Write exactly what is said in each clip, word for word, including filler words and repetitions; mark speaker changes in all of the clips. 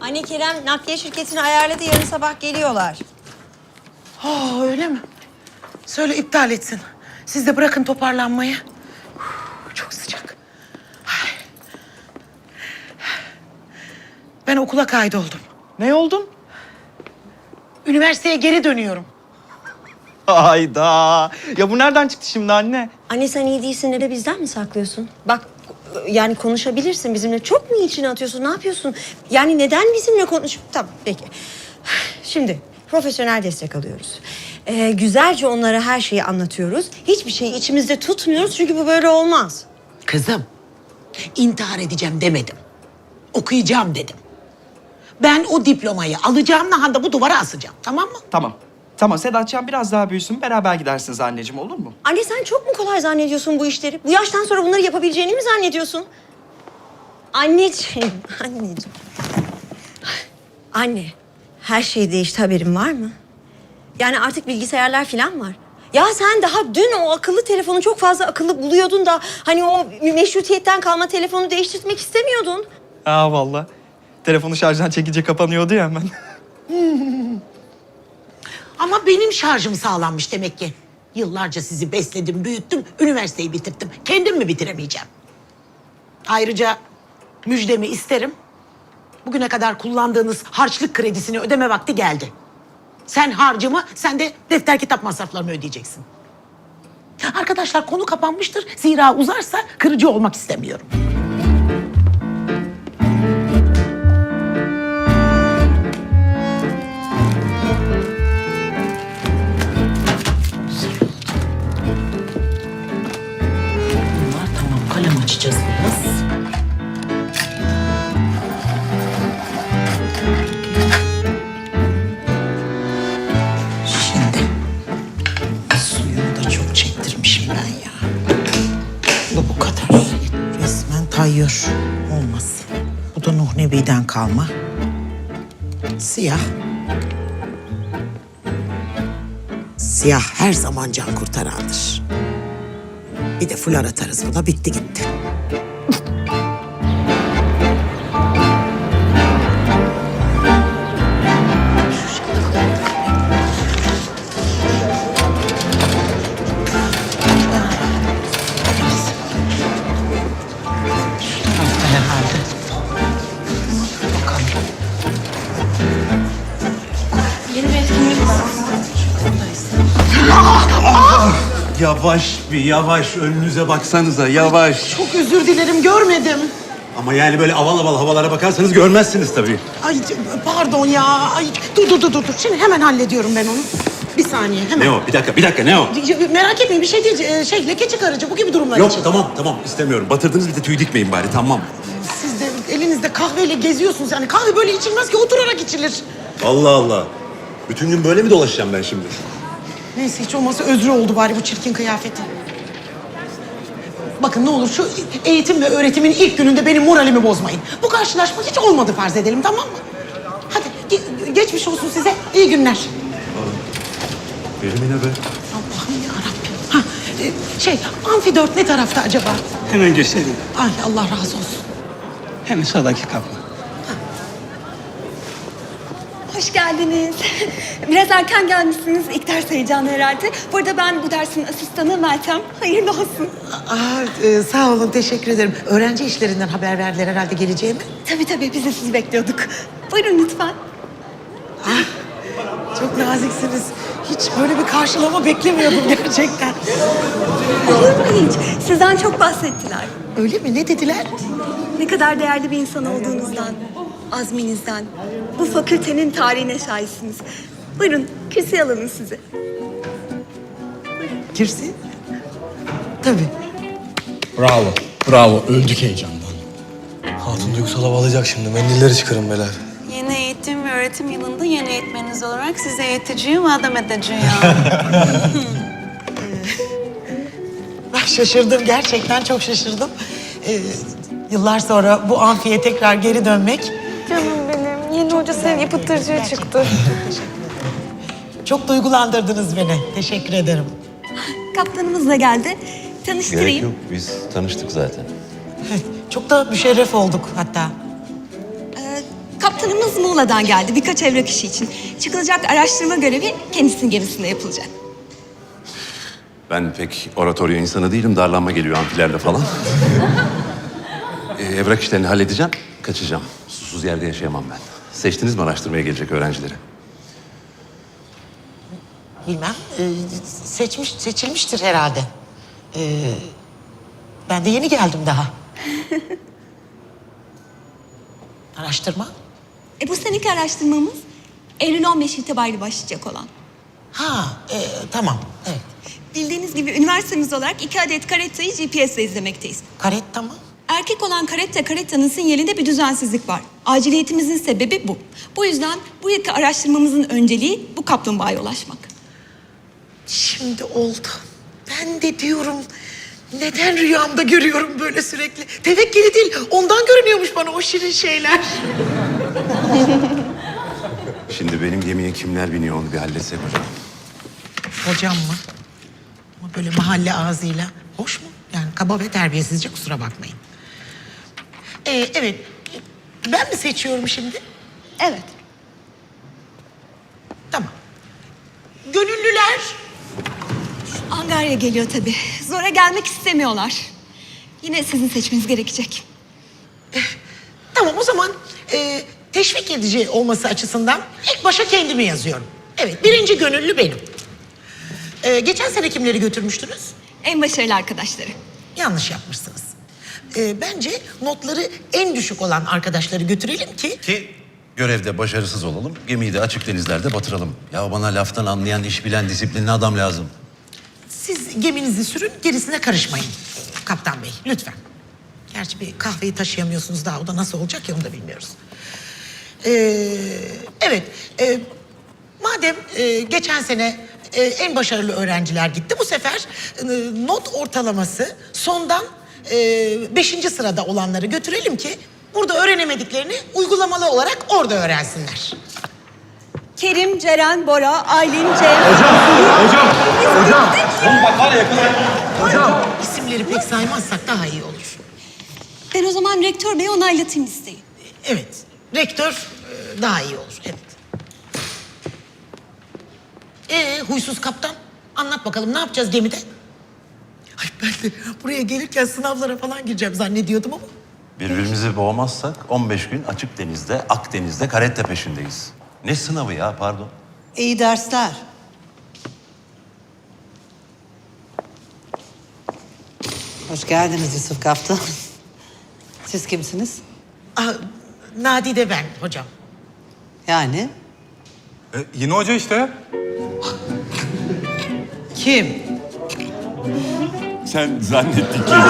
Speaker 1: Anne Kerem nakliye şirketini ayarladı. Yarın sabah geliyorlar.
Speaker 2: Oh, öyle mi? Söyle iptal etsin. Siz de bırakın toparlanmayı. Uf, çok sıcak. Ay. Ben okula kaydoldum.
Speaker 3: Ne oldun?
Speaker 2: Üniversiteye geri dönüyorum.
Speaker 3: Hayda. Ya bu nereden çıktı şimdi anne?
Speaker 1: Anne sen iyi değilsin de bizden mi saklıyorsun? Bak yani konuşabilirsin bizimle. Çok mu içine atıyorsun? Ne yapıyorsun? Yani neden bizimle konuş... Tamam peki. Şimdi profesyonel destek alıyoruz. Ee, güzelce onlara her şeyi anlatıyoruz. Hiçbir şeyi içimizde tutmuyoruz çünkü bu böyle olmaz.
Speaker 2: Kızım, intihar edeceğim demedim. Okuyacağım dedim. Ben o diplomayı alacağım, nahanda bu duvara asacağım. Tamam mı?
Speaker 3: Tamam. Tamam Sedatcan biraz daha büyüsün. Beraber gidersiniz anneciğim, olur mu?
Speaker 1: Anne sen çok mu kolay zannediyorsun bu işleri? Bu yaştan sonra bunları yapabileceğini mi zannediyorsun? Anneciğim, anneciğim. Anne, her şey değişti, haberin var mı? Yani artık bilgisayarlar falan var. Ya sen daha dün o akıllı telefonu çok fazla akıllı buluyordun da... ...hani o meşrutiyetten kalma telefonu değiştirmek istemiyordun.
Speaker 3: Aa vallahi. Telefonu şarjdan çekince kapanıyordu ya hemen.
Speaker 2: Ama benim şarjım sağlanmış demek ki. Yıllarca sizi besledim, büyüttüm, üniversiteyi bitirttim. Kendim mi bitiremeyeceğim? Ayrıca müjdemi isterim. Bugüne kadar kullandığınız harçlık kredisini ödeme vakti geldi. Sen harcımı, sen de defter kitap masraflarımı ödeyeceksin. Arkadaşlar konu kapanmıştır. Zira uzarsa kırıcı olmak istemiyorum. Bunlar tamam, kalem açacağız biraz. Şimdi suyunu da çok çektirmişim ben ya. Bu bu kadar. Resmen tayyör. Olmaz. Bu da Nuh Nebi'den kalma. Siyah. Siyah her zaman can kurtarandır. Bir de fular atarız buna, bitti gitti. Şu tarafta herhalde. Bakalım.
Speaker 4: Yeni bir etkinlik var.
Speaker 5: Yavaş bir yavaş, önünüze baksanıza yavaş.
Speaker 2: Çok özür dilerim, görmedim.
Speaker 5: Ama yani böyle aval aval havalara bakarsanız görmezsiniz tabii.
Speaker 2: Ay pardon ya. Ay dur dur dur dur. Şimdi hemen hallediyorum ben onu. Bir saniye hemen.
Speaker 5: Ne o? Bir dakika, bir dakika ne o?
Speaker 2: Merak etmeyin, bir şey değil. Ee, Şey leke çıkarıcı bu gibi durumlar
Speaker 5: Yok
Speaker 2: için.
Speaker 5: tamam tamam istemiyorum. Batırdınız bir de tüy dikmeyin bari tamam.
Speaker 2: Siz de elinizde kahveyle geziyorsunuz yani. Kahve böyle içilmez ki, oturarak içilir.
Speaker 5: Allah Allah. Bütün gün böyle mi dolaşacağım ben şimdi?
Speaker 2: Neyse hiç olmazsa özrü oldu bari bu çirkin kıyafeti. Bakın ne olur şu eğitim ve öğretimin ilk gününde benim moralimi bozmayın. Bu karşılaşma hiç olmadı farz edelim, tamam mı? Hadi ge- geçmiş olsun size. İyi günler.
Speaker 5: Benim yine be.
Speaker 2: Allah'ım yarabbim. Ha, e, şey amfi dört ne tarafta acaba?
Speaker 6: Hemen göstereyim.
Speaker 2: Ay Allah razı olsun.
Speaker 6: Hemen sağdaki kapı.
Speaker 4: Hoş geldiniz. Biraz erken gelmişsiniz. İlk ders heyecanı herhalde. Bu arada ben bu dersin asistanı Meltem. Hayırlı olsun.
Speaker 2: Aa, e, sağ olun, teşekkür ederim. Öğrenci işlerinden haber verdiler herhalde geleceğimi.
Speaker 4: Tabii tabii biz de sizi bekliyorduk. Buyurun lütfen.
Speaker 2: Çok naziksiniz. Hiç böyle bir karşılama beklemiyordum gerçekten.
Speaker 4: Olur mu hiç? Sizden çok bahsettiler.
Speaker 2: Öyle mi? Ne dediler?
Speaker 4: Ne kadar değerli bir insan olduğunuzdan, azminizden, bu fakültenin tarihine şahitsiniz. Buyurun kürsüye alalım sizi.
Speaker 2: Girsin. Tabii.
Speaker 7: Bravo, bravo. Öldük heyecandan. Hatun duygusal hava alacak şimdi. Mendilleri çıkarın beyler.
Speaker 8: Yeni eğitim ve öğretim yılında yeni eğitmeniniz olarak size eğiteceğim, adam edeceğim.
Speaker 2: Ben şaşırdım, gerçekten çok şaşırdım. Ee, yıllar sonra bu amfiye tekrar geri dönmek...
Speaker 8: Canım benim, yeni hoca sevgi pıtırcığı çıktı.
Speaker 2: Çok duygulandırdınız beni. Teşekkür ederim.
Speaker 4: Kaptanımız da geldi. Tanıştırayım.
Speaker 9: Gerek yok. Biz tanıştık zaten.
Speaker 2: Çok da müşerref olduk hatta.
Speaker 4: Ee, Kaptanımız Muğla'dan geldi birkaç evrak işi için. Çıkılacak araştırma görevi kendisinin gemisinde yapılacak.
Speaker 5: Ben pek oratoryo insanı değilim. Darlanma geliyor amfilerle falan. ee, evrak işlerini halledeceğim. Kaçacağım. Susuz yerde yaşayamam ben. Seçtiniz mi araştırmaya gelecek öğrencileri?
Speaker 2: Bilmem. Ee, seçmiş, seçilmiştir herhalde. Ee, ben de yeni geldim daha. Araştırma?
Speaker 4: E bu seneki araştırmamız Eylül on beş itibariyle başlayacak olan.
Speaker 2: Ha, e, tamam. Evet.
Speaker 4: Bildiğiniz gibi üniversitemiz olarak iki adet karettayı G P S ile izlemekteyiz.
Speaker 2: Karetta mı?
Speaker 4: Erkek olan karetta karettanın sinyalinde bir düzensizlik var. Aciliyetimizin sebebi bu. Bu yüzden bu yılki araştırmamızın önceliği bu kaplumbağaya ulaşmak.
Speaker 2: Şimdi oldu. Ben de diyorum neden rüyamda görüyorum böyle sürekli. Tevekkeli değil, ondan görünüyormuş bana o şirin şeyler.
Speaker 5: Şimdi benim gemiye kimler biniyor onu bir halletsek hocam.
Speaker 2: Hocam mı? Ama böyle mahalle ağzıyla. Hoş mu? Yani kaba ve terbiyesizce, kusura bakmayın. Ee, evet, ben mi seçiyorum şimdi?
Speaker 4: Evet.
Speaker 2: Tamam. Gönüllüler.
Speaker 4: Angarya geliyor tabii. Zora gelmek istemiyorlar. Yine sizin seçmeniz gerekecek.
Speaker 2: Tamam, o zaman e, teşvik edici olması açısından ilk başa kendimi yazıyorum. Evet, birinci gönüllü benim. E, geçen sene kimleri götürmüştünüz?
Speaker 4: En başarılı arkadaşları.
Speaker 2: Yanlış yapmışsınız. E, bence notları en düşük olan arkadaşları götürelim ki...
Speaker 5: Ki görevde başarısız olalım, gemiyi de açık denizlerde batıralım. Ya bana laftan anlayan, iş bilen, disiplinli adam lazım.
Speaker 2: Siz geminizi sürün, gerisine karışmayın. Kaptan Bey, lütfen. Gerçi bir kahveyi taşıyamıyorsunuz daha. O da nasıl olacak ya, onu da bilmiyoruz. Ee, evet, e, madem e, geçen sene e, en başarılı öğrenciler gitti, bu sefer e, not ortalaması sondan e, beşinci sırada olanları götürelim ki... ...burada öğrenemediklerini uygulamalı olarak orada öğrensinler.
Speaker 4: Kerim, Ceren, Bora, Aylin, Cem...
Speaker 7: Hocam, hocam. Oğlum bak var ya yakın. Hocam.
Speaker 2: İsimleri pek saymazsak daha iyi olur.
Speaker 4: Ben o zaman rektör bey onaylatayım listeyi.
Speaker 2: Evet, rektör e, daha iyi olur, evet. Ee, huysuz kaptan, anlat bakalım ne yapacağız gemide? Ay ben de buraya gelirken sınavlara falan gireceğim zannediyordum ama...
Speaker 5: Birbirimizi boğmazsak on beş gün açık denizde, Akdeniz'de karette peşindeyiz. Ne sınavı ya, pardon?
Speaker 9: İyi dersler. Hoş geldiniz Yusuf Kaptan. Siz kimsiniz?
Speaker 2: Aa, Nadide ben hocam.
Speaker 9: Yani?
Speaker 7: E, yeni hoca işte.
Speaker 9: Kim?
Speaker 7: Sen zannettin ki.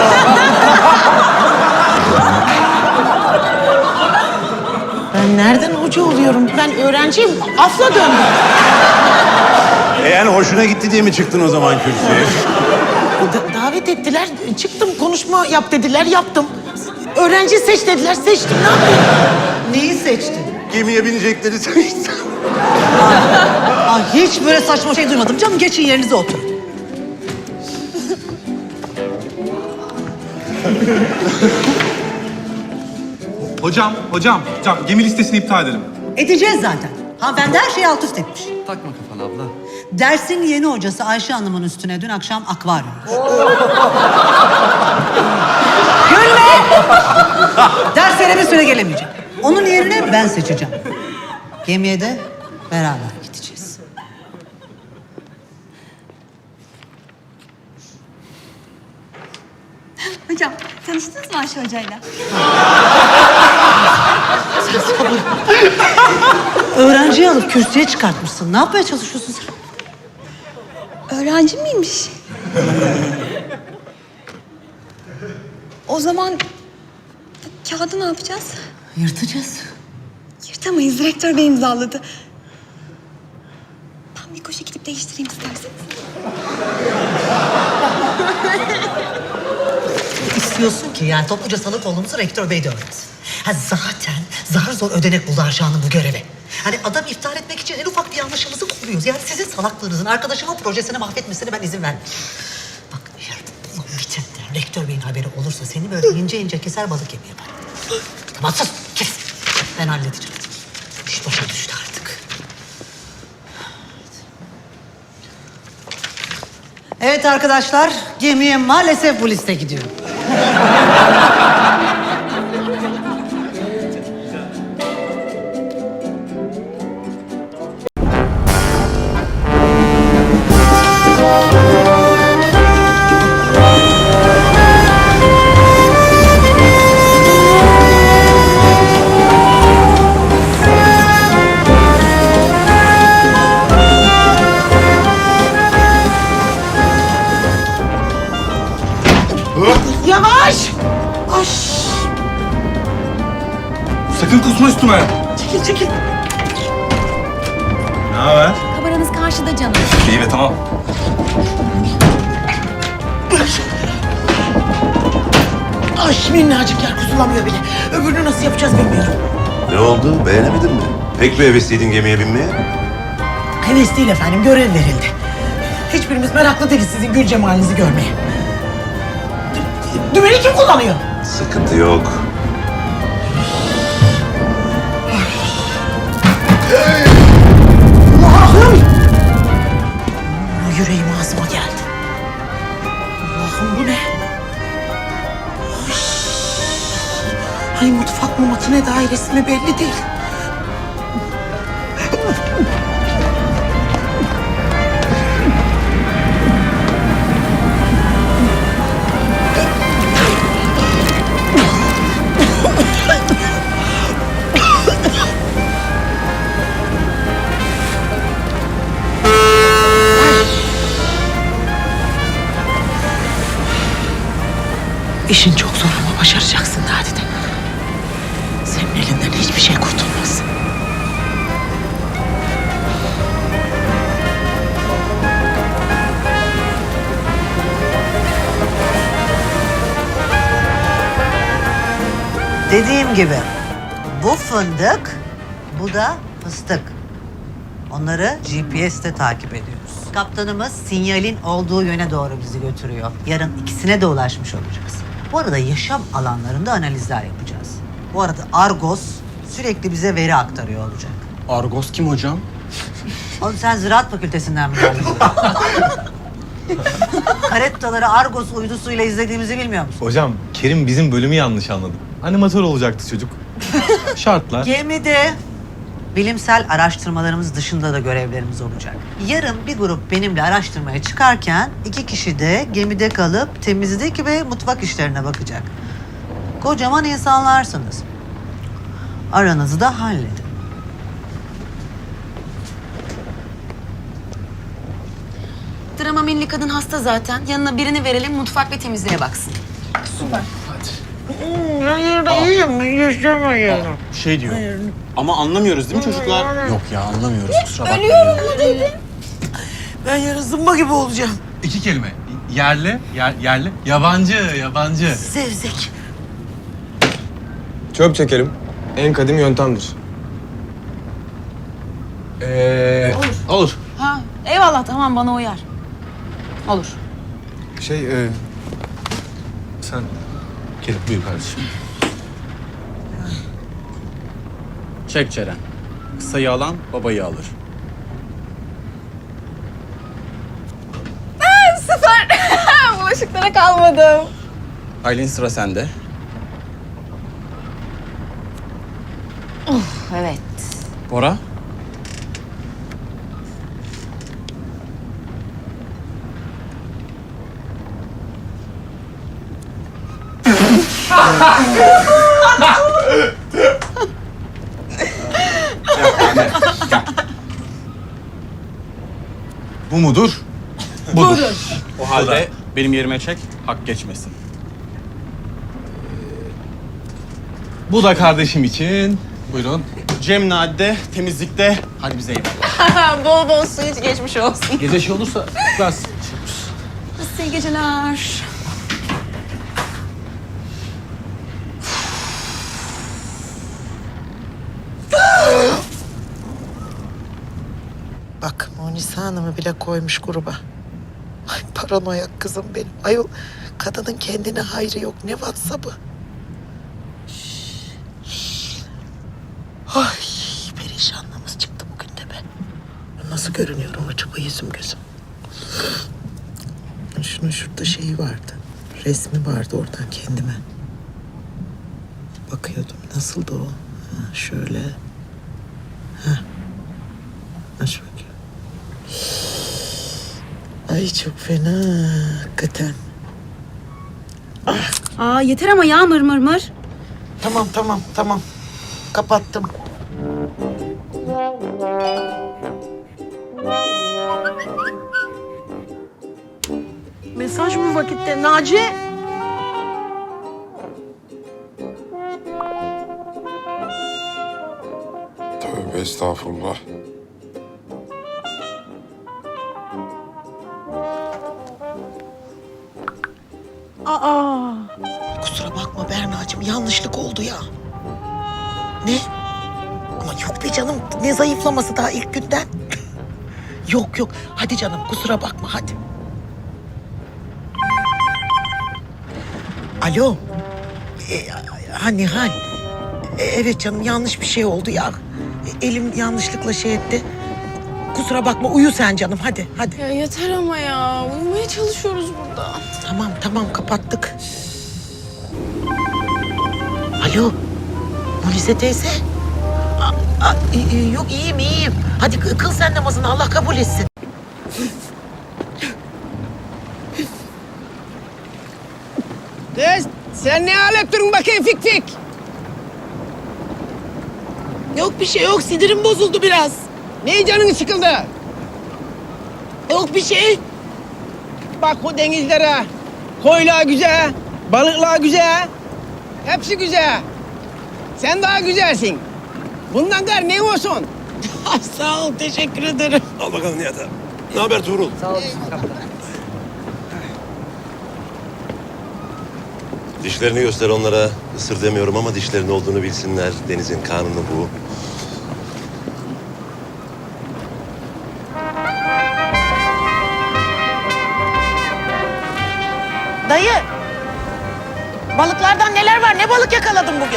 Speaker 2: Ben nereden hoca oluyorum? Ben öğrenciyim, afla döndüm.
Speaker 5: E yani hoşuna gitti diye mi çıktın o zaman kürsüye?
Speaker 2: Da- davet ettiler, çıktım konuşma yap dediler, yaptım. Öğrenci seç dediler, seçtim, ne yapayım?
Speaker 9: Neyi seçtin?
Speaker 5: Gemiye binecekleri seçtim.
Speaker 9: Aa, hiç böyle saçma şey duymadım. Canım geçin yerinize oturun.
Speaker 10: Hocam, hocam, hocam gemi listesini iptal edelim.
Speaker 9: Edeceğiz zaten. Hanımefendi her şeyi alt üst etmiş.
Speaker 3: Takma kafana abla.
Speaker 9: Dersin yeni hocası Ayşe Hanım'ın üstüne dün akşam akvaryum. Gülme! Derslere bir süre gelemeyecek. Onun yerine ben seçeceğim. Gemiye de beraber gideceğiz.
Speaker 4: Hocam, tanıştınız mı Ayşe Hoca'yla?
Speaker 9: Öğrenciyi alıp kürsüye çıkartmışsın. Ne yapmaya çalışıyorsun sen?
Speaker 4: Öğrenci miymiş? O zaman bu kağıdı ne yapacağız?
Speaker 9: Yırtacağız.
Speaker 4: Yırtamayız, rektör bey imzaladı. Ben bir koşu gidip değiştireyim isterseniz.
Speaker 9: İstiyorsun ki yani topluca salık olduğumuzu rektör bey de öğrensin. Ha zaten zar zor ödenek buldu Arşa Hanım bu göreve. Hani adam iptal etmek için en ufak bir yanlışımızı koruyoruz. Yani sizin salaklığınızın arkadaşımın projesini mahvetmesine ben izin vermem. Bak eğer bu bitenden rektör beyin haberi olursa seni böyle ince ince keser balık yemi yapar. Tamam sus kes. Ben halledeceğim. iş başa düştü artık. Evet arkadaşlar, gemiye maalesef bu liste gidiyor.
Speaker 2: Yavaş! Ay,
Speaker 10: Sakın kusma üstüme.
Speaker 2: çekil çekil.
Speaker 10: Ne haber?
Speaker 8: Kameranız karşıda canım.
Speaker 10: İyi ve tamam.
Speaker 2: Ay minnacık yer kuzulamıyor bile. Öbürünü nasıl yapacağız bilmiyorum.
Speaker 5: Ne oldu? Beğenemedin mi? Pek mi hevesliydin gemiye binmeye?
Speaker 2: Heves değil efendim, görev verildi. Hiçbirimiz meraklı değiliz sizin gül cemalinizi görmeye. Dü- Dümeni kim kullanıyor?
Speaker 5: Sıkıntı yok.
Speaker 2: Allah'ım! Yüreğim ağzıma geldi. Allah'ım bu ne? Ay, Ay mutfak mı makine dairesi mi belli değil. İşin çok zor ama başaracaksın Nadide. Senin elinden hiçbir şey kurtulmaz.
Speaker 9: Dediğim gibi bu fındık, bu da fıstık. Onları G P S'te takip ediyoruz. Kaptanımız sinyalin olduğu yöne doğru bizi götürüyor. Yarın ikisine de ulaşmış olacağız. Bu arada yaşam alanlarında analizler yapacağız. Bu arada Argos sürekli bize veri aktarıyor olacak.
Speaker 7: Argos kim hocam?
Speaker 9: Oğlum sen Ziraat Fakültesinden mi geldin? Karettaları Argos uydusuyla izlediğimizi bilmiyor musun?
Speaker 7: Hocam Kerim bizim bölümü yanlış anladı. Animatör olacaktı çocuk. Şartlar.
Speaker 9: Gemide bilimsel araştırmalarımız dışında da görevlerimiz olacak. Yarın bir grup benimle araştırmaya çıkarken iki kişi de gemide kalıp temizlik ve mutfak işlerine bakacak. Kocaman insanlarsınız. Aranızı da halledin.
Speaker 8: Drama milli kadın hasta zaten. Yanına birini verelim mutfak ve temizliğe baksın.
Speaker 7: Şey diyor. Ama anlamıyoruz değil mi çocuklar? Yok ya anlamıyoruz kusura bakmayın.
Speaker 2: Ben yarın zımba gibi olacağım.
Speaker 7: İki kelime. Yerli, yer, yerli. Yabancı, yabancı.
Speaker 2: Zevzek.
Speaker 11: Çöp çekelim. En kadim yöntemdir. Ee,
Speaker 7: Olur.
Speaker 8: Ha, eyvallah tamam bana uyar. Olur.
Speaker 11: şey, e,
Speaker 7: Sen Kerim buyur kardeşim.
Speaker 6: Çek Ceren. Kısayı alan babayı alır.
Speaker 8: Süper. Bulaşıklara kalmadım.
Speaker 6: Aylin sıra sende.
Speaker 8: Evet.
Speaker 6: Bora.
Speaker 7: Bu mudur?
Speaker 6: Budur. O halde benim yerime çek, hak geçmesin.
Speaker 7: Bu da kardeşim için. Buyurun.
Speaker 6: Cem Nadide temizlikte. Hadi bize eyvallah.
Speaker 8: Bol bol su iç geçmiş olsun.
Speaker 7: Gece şey olursa biraz.
Speaker 8: İyi geceler.
Speaker 2: Bak Munisa Hanım'ı bile koymuş gruba. Ay paranoyak kızım benim. Ayol kadının kendine hayrı yok. Ne WhatsApp'ı? Ay perişan. nasıl görünüyorum acaba yüzüm gözüm? Şunun şurada şeyi vardı. Resmi vardı oradan kendime. Bakıyordum. Nasıldı o? Ha, şöyle. Ha. Aç bakayım. Ay çok fena hakikaten.
Speaker 8: Aa yeter ama ya mır mır mır.
Speaker 2: Tamam tamam tamam. Kapattım.
Speaker 9: Mesaj bu vakitte Naci.
Speaker 11: Tövbe estağfurullah.
Speaker 2: Kusura bakma Berna'cığım yanlışlık oldu ya. Ne? Ama yok be canım ne zayıflaması daha ilk günden. Yok yok hadi canım kusura bakma hadi. Alo. Ee, ha Nihal. Ee, evet canım yanlış bir şey oldu ya. Ee, Elim yanlışlıkla şey etti. Kusura bakma uyu sen canım hadi hadi.
Speaker 12: Ya yeter ama ya. Uyumaya çalışıyoruz burada.
Speaker 2: Tamam tamam kapattık. Alo. Mulize teyze. Aa, aa, e, e, yok iyiyim iyiyim. Hadi kı- kıl sen namazını Allah kabul etsin.
Speaker 9: Kız sen ne alet durun bakayım fik fik.
Speaker 2: Yok bir şey yok sinirim bozuldu biraz.
Speaker 9: Neyi canın sıkıldı?
Speaker 2: Yok bir şey.
Speaker 9: Bak bu denizlere. Koylar güzel, balıklar güzel. Hepsi güzel. Sen daha güzelsin. Bundan gar ne olsun?
Speaker 2: Ay, sağ ol teşekkür ederim.
Speaker 5: Al bakalım Nihat abi. Ne haber Tuğrul?
Speaker 9: Sağ ol.
Speaker 5: Dişlerini göster onlara. Isır demiyorum ama dişlerin olduğunu bilsinler. Denizin kanunu bu.
Speaker 2: Dayı. Balıklardan neler var? Ne balık yakaladın bugün?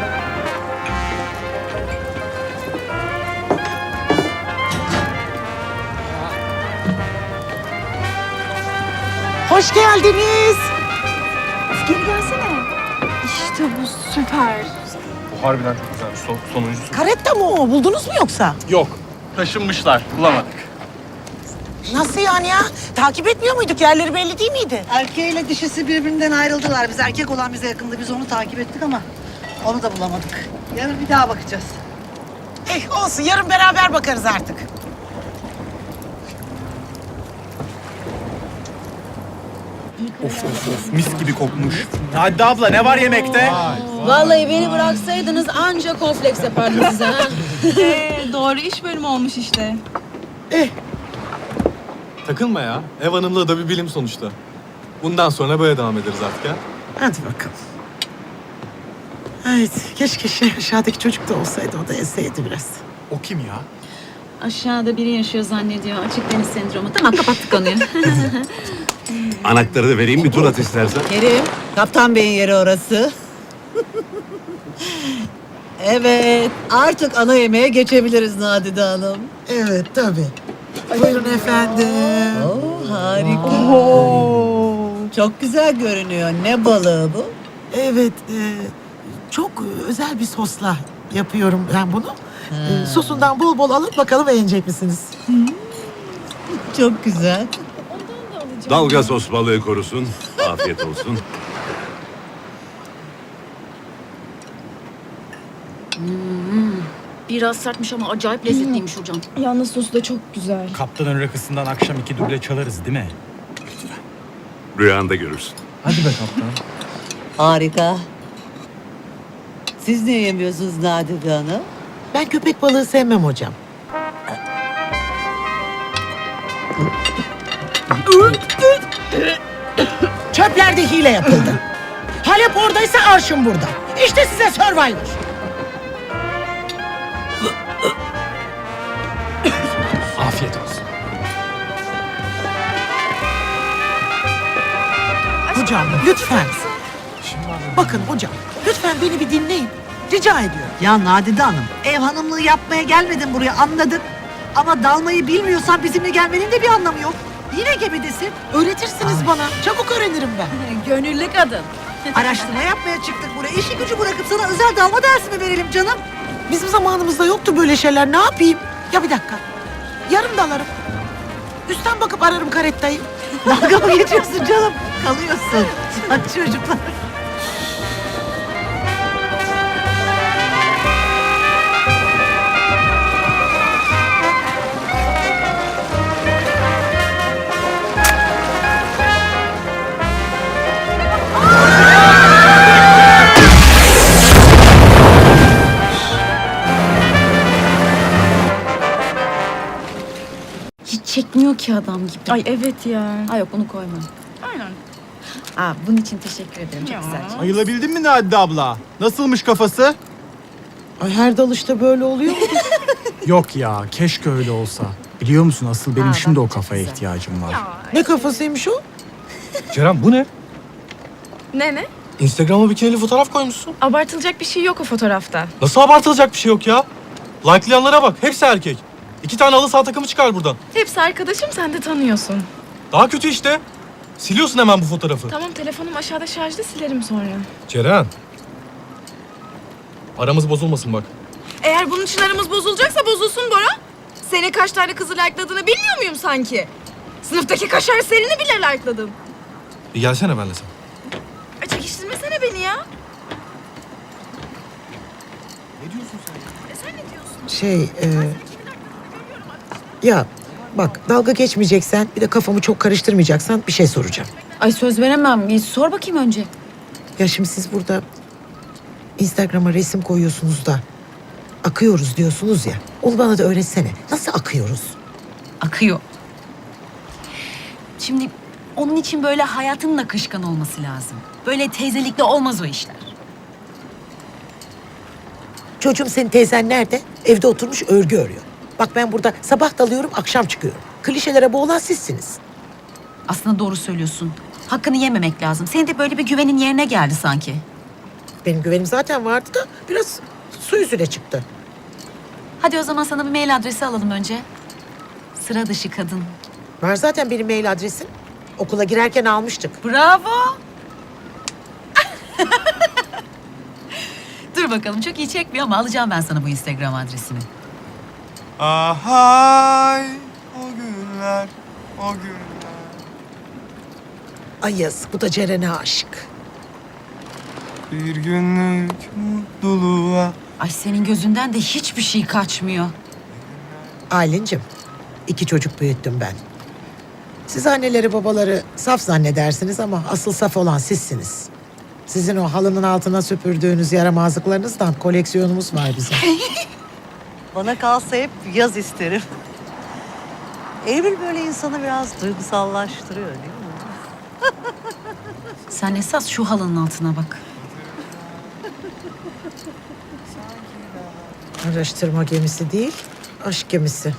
Speaker 2: Hoş geldiniz.
Speaker 12: Geri gelsene. İşte bu süper.
Speaker 7: Bu harbiden çok güzel. Son, sonuncusu.
Speaker 2: Karetta mı o? Buldunuz mu yoksa?
Speaker 6: Yok. Taşınmışlar. Bulamadık.
Speaker 2: Nasıl yani ya? Takip etmiyor muyduk? Yerleri belli değil miydi?
Speaker 9: Erkeğiyle dişisi birbirinden ayrıldılar. Biz erkek olan bize yakındı. Biz onu takip ettik ama onu da bulamadık. Yarın bir daha bakacağız.
Speaker 2: Eh olsun yarın beraber bakarız artık.
Speaker 7: Of of of mis gibi kokmuş.
Speaker 6: Hadi abla ne var yemekte?
Speaker 8: Vallahi beni bıraksaydınız ancak kompleks yapardım size ha.
Speaker 12: Doğru iş bölümü olmuş işte.
Speaker 11: Takılma ya. Ev hanımlığı da bir bilim sonuçta. Bundan sonra böyle devam ederiz artık ya.
Speaker 2: Hadi bakalım. Evet, keşke şey aşağıdaki çocuk da olsaydı, o da esseydi biraz.
Speaker 11: O kim ya?
Speaker 8: Aşağıda biri yaşıyor zannediyor. Açık deniz sendromu. Tamam kapattık konuyu.
Speaker 5: Anahtarı da vereyim bir tur at istersen.
Speaker 9: Kerim, Kaptan Bey'in yeri orası. Evet, artık ana yemeğe geçebiliriz Nadide Hanım.
Speaker 2: Evet, tabii. Buyurun efendim.
Speaker 9: Oo, harika. Çok güzel görünüyor. Ne balığı bu?
Speaker 2: Evet, e, çok özel bir sosla yapıyorum ben bunu. E, sosundan bol bol alıp bakalım beğenecek misiniz?
Speaker 9: Çok güzel.
Speaker 5: Dalga sos balığı korusun. Afiyet olsun.
Speaker 8: Biraz sertmiş ama acayip lezzetliymiş hocam.
Speaker 12: Yalnız sosu da çok güzel.
Speaker 6: Kaptanın rakısından akşam iki duble çalarız değil mi?
Speaker 5: Rüyanda görürsün.
Speaker 11: Hadi be kaptan.
Speaker 9: Harika. Siz ne yemiyorsunuz Nadide Hanım?
Speaker 2: Ben köpek balığı sevmem hocam. Çöplerde hile yapıldı. Halep oradaysa arşın burada. İşte size Survivor.
Speaker 11: Afiyet olsun.
Speaker 2: Hocam lütfen. Bakın hocam lütfen beni bir dinleyin. Rica ediyorum.
Speaker 9: Ya Nadide Hanım, ev hanımlığı yapmaya gelmedin buraya anladık. Ama dalmayı bilmiyorsan bizimle gelmenin de bir anlamı yok. Yine gemidesin.
Speaker 2: Öğretirsiniz bana. Çabuk öğrenirim ben.
Speaker 12: Gönüllü kadın.
Speaker 9: Araştırma yapmaya çıktık buraya. İşi gücü bırakıp sana özel dalma dersi mi verelim canım?
Speaker 2: Bizim zamanımızda yoktu böyle şeyler. Ne yapayım? Ya bir dakika. Yarım dalarım. Üstten bakıp ararım karettayı.
Speaker 9: Dalga mı geçiyorsun canım? Kalıyorsun. Hadi çocuklar.
Speaker 8: Hiç çekmiyor ki adam gibi.
Speaker 12: Ay evet ya.
Speaker 8: Ay yok bunu koyma.
Speaker 12: Aynen.
Speaker 8: Aa, bunun için teşekkür ederim. Çok güzel.
Speaker 11: Ayılabildin mi Nadide abla? Nasılmış kafası?
Speaker 2: Ay her dalışta böyle oluyor mu?
Speaker 10: Yok ya, keşke öyle olsa. Biliyor musun asıl benim
Speaker 8: Aa,
Speaker 10: şimdi
Speaker 8: bak,
Speaker 10: o
Speaker 8: çok
Speaker 10: kafaya
Speaker 8: güzel.
Speaker 10: ihtiyacım var.
Speaker 2: Ne kafasıymış o?
Speaker 11: Ceren bu ne?
Speaker 12: Ne ne?
Speaker 7: Instagram'a bikinili fotoğraf koymuşsun.
Speaker 12: Abartılacak bir şey yok o fotoğrafta.
Speaker 7: Nasıl abartılacak bir şey yok ya? Like'layanlara bak. Hepsi erkek. İki tane halı saha takımı çıkar buradan.
Speaker 12: Hepsi arkadaşım, sen de tanıyorsun.
Speaker 7: Daha kötü işte. Siliyorsun hemen bu fotoğrafı.
Speaker 12: Tamam, telefonum aşağıda şarjda, silerim sonra.
Speaker 7: Ceren. Aramız bozulmasın bak.
Speaker 12: Eğer bunun için aramız bozulacaksa bozulsun Bora. Senin kaç tane kızı like'ladığını bilmiyor muyum sanki? Sınıftaki kaşar serini bile like'ladım.
Speaker 7: Bir gelsene benimle sen.
Speaker 12: Ay çekiştirmesene beni ya.
Speaker 7: Ne diyorsun sen?
Speaker 12: E sen ne diyorsun?
Speaker 2: Şey, e, ya bak dalga geçmeyeceksen bir de kafamı çok karıştırmayacaksan bir şey soracağım.
Speaker 8: Ay söz veremem. Bir sor bakayım önce.
Speaker 2: Ya şimdi siz burada Instagram'a resim koyuyorsunuz da akıyoruz diyorsunuz ya. Onu bana da öğretsene. Nasıl akıyoruz?
Speaker 8: Akıyor. Şimdi onun için böyle hayatının akışkan olması lazım. Böyle teyzelikle olmaz o işler.
Speaker 2: Çocuğum senin teyzen nerede? Evde oturmuş örgü örüyor. Bak ben burada sabah dalıyorum, akşam çıkıyorum. Klişelere boğulan sizsiniz.
Speaker 8: Aslında doğru söylüyorsun. Hakkını yememek lazım. Senin de böyle bir güvenin yerine geldi sanki.
Speaker 2: Benim güvenim zaten vardı da biraz su yüzüne çıktı.
Speaker 8: Hadi o zaman sana bir mail adresi alalım önce. Sıra dışı kadın.
Speaker 2: Var zaten benim mail adresim. Okula girerken almıştık.
Speaker 8: Bravo. Dur bakalım, çok iyi çekmiyor ama alacağım ben sana bu Instagram adresini.
Speaker 11: Ahay o günler, o günler.
Speaker 2: Ay yazık, bu da Ceren'e aşık.
Speaker 11: Bir günlük mutluluğa.
Speaker 8: Ay senin gözünden de hiçbir şey kaçmıyor.
Speaker 2: Aylin'cim, iki çocuk büyüttüm ben. Siz anneleri babaları saf zannedersiniz ama asıl saf olan sizsiniz. Sizin o halının altına süpürdüğünüz yaramazlıklarınızdan koleksiyonumuz var bizim.
Speaker 9: Bana kalsa hep yaz isterim. Eylül böyle insanı biraz duygusallaştırıyor değil mi?
Speaker 8: Sen esas şu halının altına bak.
Speaker 2: Araştırma gemisi değil, aşk gemisi.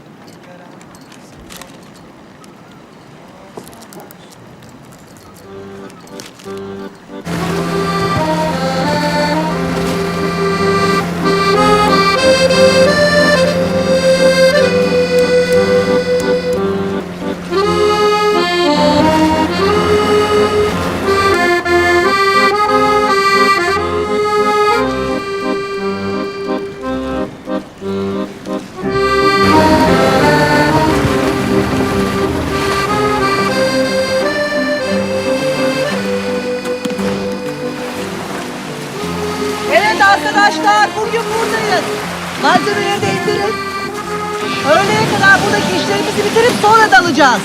Speaker 9: Evet arkadaşlar, bugün buradayız. Malzemeleri de indirin. Öğleye kadar buradaki işlerimizi bitirip sonra dalacağız.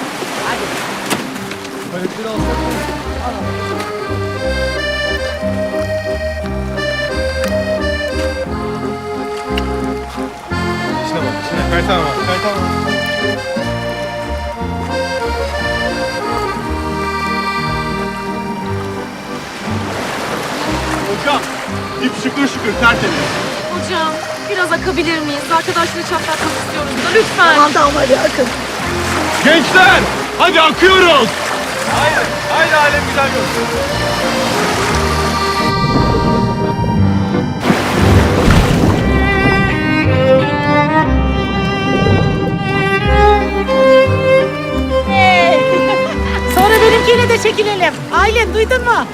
Speaker 11: İşte bak, şimdi kaytan var, kaytan var. Hocam, ip şıkır şıkır tertemiz.
Speaker 12: Hocam biraz akabilir miyiz? Arkadaşları çatlatmak istiyoruz da lütfen.
Speaker 9: Aman da hadi akın.
Speaker 11: Gençler, hadi akıyoruz. Haydi, haydi alem güzel görsün.
Speaker 2: de çekilelim. Aylin duydun mu?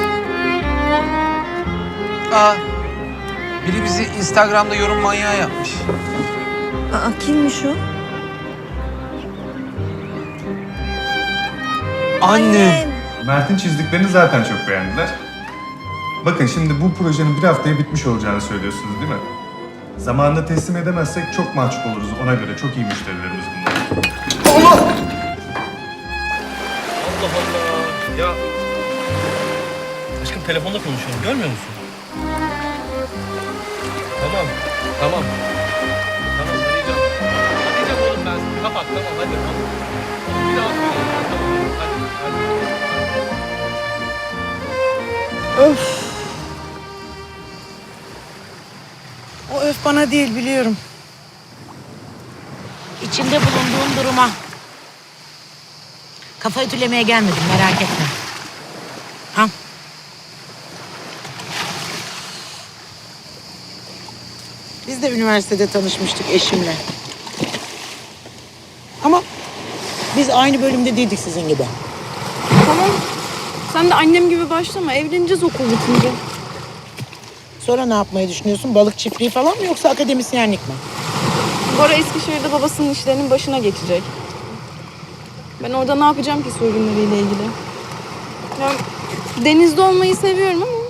Speaker 13: Aa, biri bizi Instagram'da yorum manyağı yapmış.
Speaker 1: Aa, kimmiş o?
Speaker 13: Annem.
Speaker 10: Mert'in çizdiklerini zaten çok beğendiler. Bakın şimdi bu projenin bir haftaya bitmiş olacağını söylüyorsunuz değil mi? Zamanında teslim edemezsek çok mahcup oluruz. Ona göre çok iyi müşterilerimiz bunlar.
Speaker 11: Allah! Allah Allah. Ya... Aşkım telefonda konuşuyorum. Görmüyor musun? Tamam. Tamam. Tamam arayacağım. Arayacağım oğlum ben. Kapat tamam hadi. Bir daha söyleyeyim. Tamam hadi. Hadi.
Speaker 2: Öf. O öf bana değil biliyorum. İçinde bulunduğum duruma. Kafa ütülemeye gelmedim merak etme. Ha? Biz de üniversitede tanışmıştık eşimle. Ama biz aynı bölümde değildik sizin gibi.
Speaker 12: Tamam. Sen de annem gibi başlama. Evleneceğiz okul bitince.
Speaker 2: Sonra ne yapmayı düşünüyorsun? Balık çiftliği falan mı yoksa akademisyenlik mi?
Speaker 12: Bora Eskişehir'de babasının işlerinin başına geçecek. Ben orada ne yapacağım ki soygunlarıyla ilgili? Ya, denizde olmayı seviyorum ama...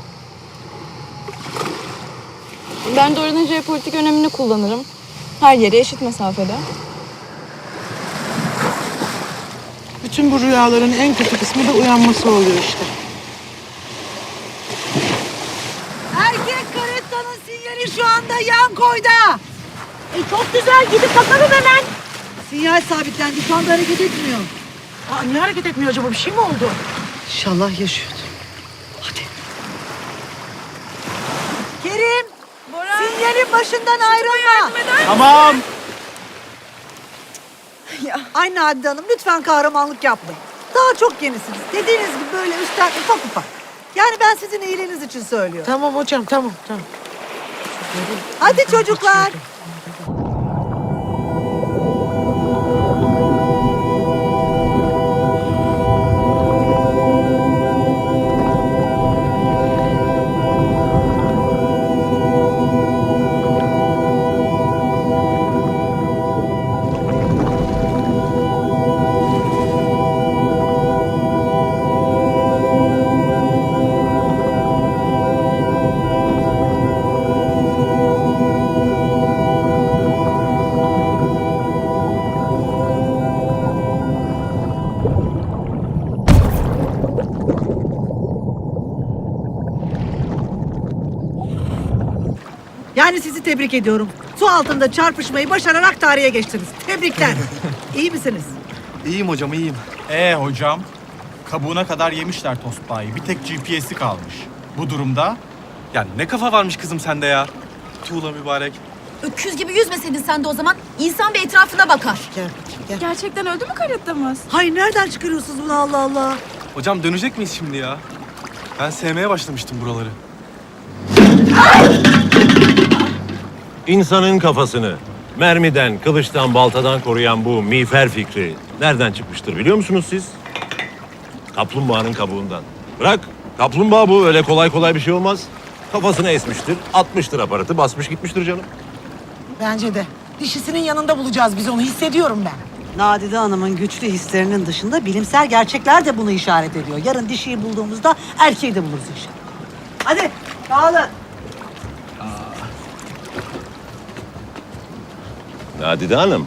Speaker 12: Ben de oranın jeopolitik önemini kullanırım. Her yere eşit mesafede.
Speaker 2: Bütün bu rüyaların en kötü kısmı da uyanması oluyor işte. Erkek karettanın sinyali şu anda yan koyda. E çok güzel gidip bakalım hemen. Sinyal sabitlendi şu anda hareket etmiyor. Aa, niye hareket etmiyor acaba bir şey mi oldu? İnşallah yaşıyordu. Hadi. Kerim.
Speaker 12: Bora.
Speaker 2: Sinyalin başından ayrılma.
Speaker 11: Tamam.
Speaker 12: Ya.
Speaker 2: Ay Nadide Hanım lütfen kahramanlık yapmayın. Daha çok yenisiniz. Dediğiniz gibi böyle üstten ufak ufak. Yani ben sizin iyiliğiniz için söylüyorum. Tamam hocam tamam tamam. Hadi çocuklar. Yani sizi tebrik ediyorum. Su altında çarpışmayı başararak tarihe geçtiniz. Tebrikler. İyi misiniz?
Speaker 11: İyiyim hocam iyiyim.
Speaker 6: Ee hocam, kabuğuna kadar yemişler Tosbağa'yı. Bir tek G P S'i kalmış. Bu durumda
Speaker 11: Ya ne kafa varmış kızım sende ya. Tuğla mübarek.
Speaker 8: Öküz gibi yüzmeseydin sen de o zaman. İnsan bir etrafına bakar.
Speaker 2: Gel, gel.
Speaker 12: Gerçekten öldü mü karettamız?
Speaker 2: Hayır nereden çıkarıyorsunuz bunu Allah Allah?
Speaker 11: Hocam dönecek miyiz şimdi ya? Ben sevmeye başlamıştım buraları.
Speaker 5: İnsanın kafasını mermiden, kılıçtan, baltadan koruyan bu miğfer fikri nereden çıkmıştır biliyor musunuz siz? Kaplumbağanın kabuğundan. Bırak, kaplumbağa bu. Öyle kolay kolay bir şey olmaz. Kafasını esmiştir, atmıştır aparatı, basmış gitmiştir canım.
Speaker 2: Bence de. Dişisinin yanında bulacağız biz onu hissediyorum ben. Nadide Hanım'ın güçlü hislerinin dışında bilimsel gerçekler de bunu işaret ediyor. Yarın dişiyi bulduğumuzda erkeği de buluruz inşallah. Hadi dağılın.
Speaker 5: Nadide Hanım,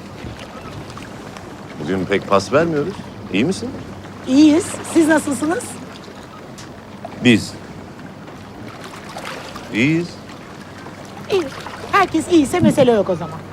Speaker 5: bugün pek pas vermiyoruz. İyi misin?
Speaker 2: İyiyiz. Siz nasılsınız?
Speaker 5: Biz. İyiyiz.
Speaker 2: İyi. Herkes iyiyse mesele yok o zaman.